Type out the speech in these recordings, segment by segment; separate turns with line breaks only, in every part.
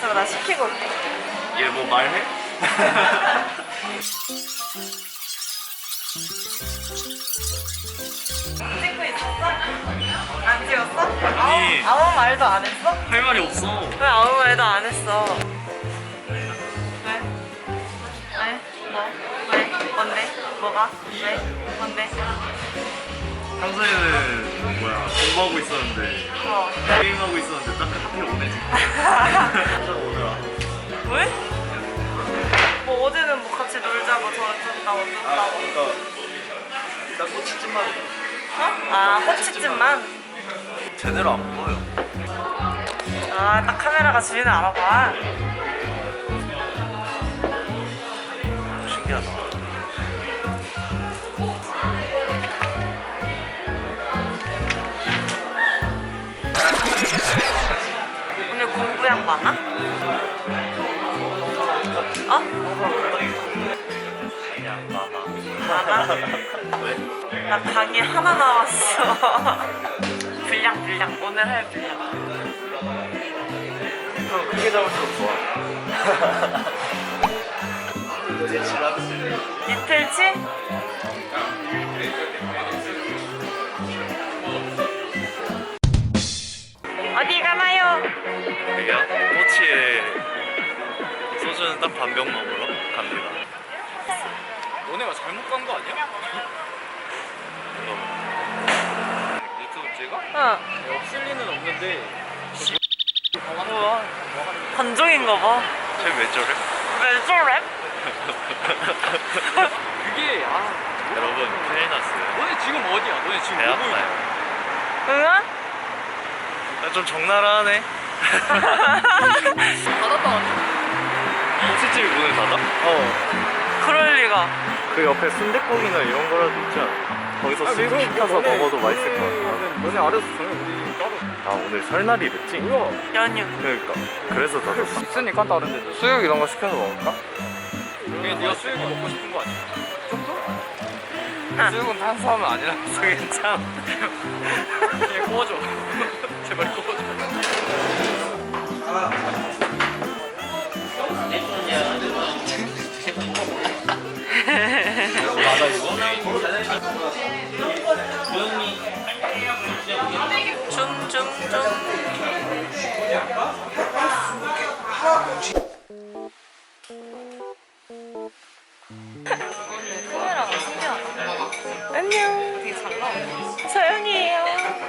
있으면 나 시키고 올게.
얘 뭐 말해?
찍고 있었어? 안 찍었어?
아니.
아무 말도 안 했어?
할 말이 없어.
왜 아무 말도 안 했어? 왜? 왜? 뭐? 왜? 뭔데? 뭐가? 왜? 뭔데?
평소에는 뭐야 공부하고 있었는데
어.
게임하고 있었는데 딱 하필 오네 지금. 딱 오늘 와.
왜? 뭐 어제는 뭐 같이 놀자고 저 어쩐다고 어쩐다고.
그러니까 일단 꼬치찜만
어? 아 꼬치찜만?
제대로 안 보여.
아 딱 카메라가 주인을 알아봐.
신기하다.
오늘 공부량 많아? 어?
그냥 많아.
많아?
왜?
나 강의 하나 나왔어. 분량 오늘 할 분량.
형 크게 잡을수록 좋아. 이제 지났지.
이틀치? 어디 가나요?
여기요? 꼬치에 소주는 딱 반 병 먹으러 갑니다. 너네가 잘못 간 거 아니야? 유튜브 찍어?
응.
없을 리는 없는데.
뭐야? 관종인가 봐.
쟤왜 저래?
왜 저래?
그게
여러분 큰일 났어요.
너네 지금 어디야? 너네 지금
배
뭐 보고 있냐?
아파요.
응?
좀 적나라하네.
닫았다.
꼬치집이 문을 닫아?
그럴 리가.
그 옆에 순댓국이나 이런 거라도 있지 않아? 거기서 수육 시켜서 먹어도 맛있을 것 같아.
너네 알아서 정해. 우리 따로.
아 오늘 설날이랬지?
뭐야?
연휴.
그러니까 그래서 닫았어.
있으니까 다른데.
수육 이런 거 시켜서 먹을까?
그냥 네가 수육이 먹고 싶은 거 아니야?
수육은 탄수화물 아니라서 괜찮아.
그냥 구워줘. 제발 구워줘.
맞아 이거?
카메라가 신기하다. 안녕. 되게 잘 나오네. 서영이에요.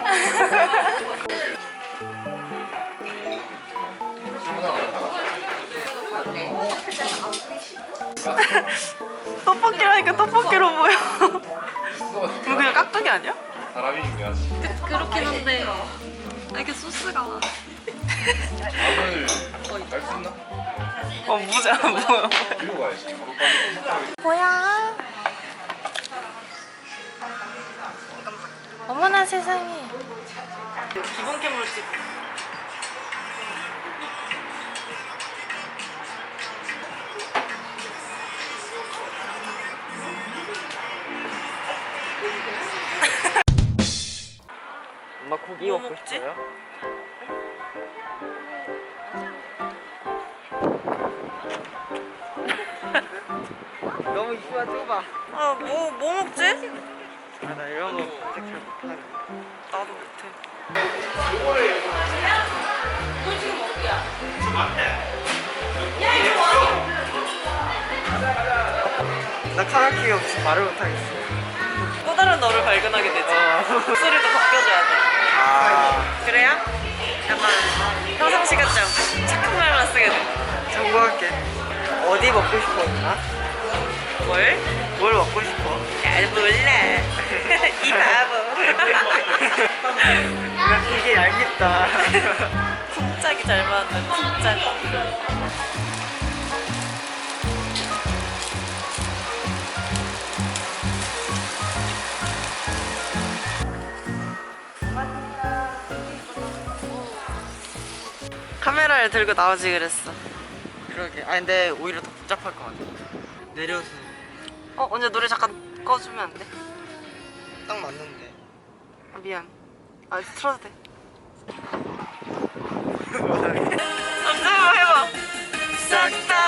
떡볶이를 하니까 떡볶이로 보여. 이거 그냥 깍두기 아니야?
사람이 중요하지.
그렇긴 한데 이렇게 소스가
밥을 갈수 있나?
무지 안 보여.
뒤로 가야지.
뭐야? 어머나 세상에. 기본 캠으로 찍.
엄마 고기
뭐
먹고
먹지?
싶어요? 너무 이쁘가 좁아.
아, 뭐 먹지?
나 이런 거 잘 못하네.
나도 못해.
나 카라키 없이 말을 못하겠어.
또 다른 너를 발견하게 되지. 목소리도 바뀌어줘야 돼. 그래야 약간 평상시 같지 않고 착한 말만 쓰게 돼.
정보할게. 어디 먹고 싶어, 누나?
뭘?
뭘 먹고 싶어?
잘 몰라. 이 바보.
나 되게 얄밉다.
쿵짝이 잘 맞는 쿵짝. 카메라를 들고 나오지 그랬어.
그러게. 아 근데 오히려 더 복잡할 것 같아. 내려서
언제 노래 잠깐 꺼주면 안 돼?
딱 맞는데.
아, 미안. 아 틀어도 돼. 남자 한번 해봐. 짝짝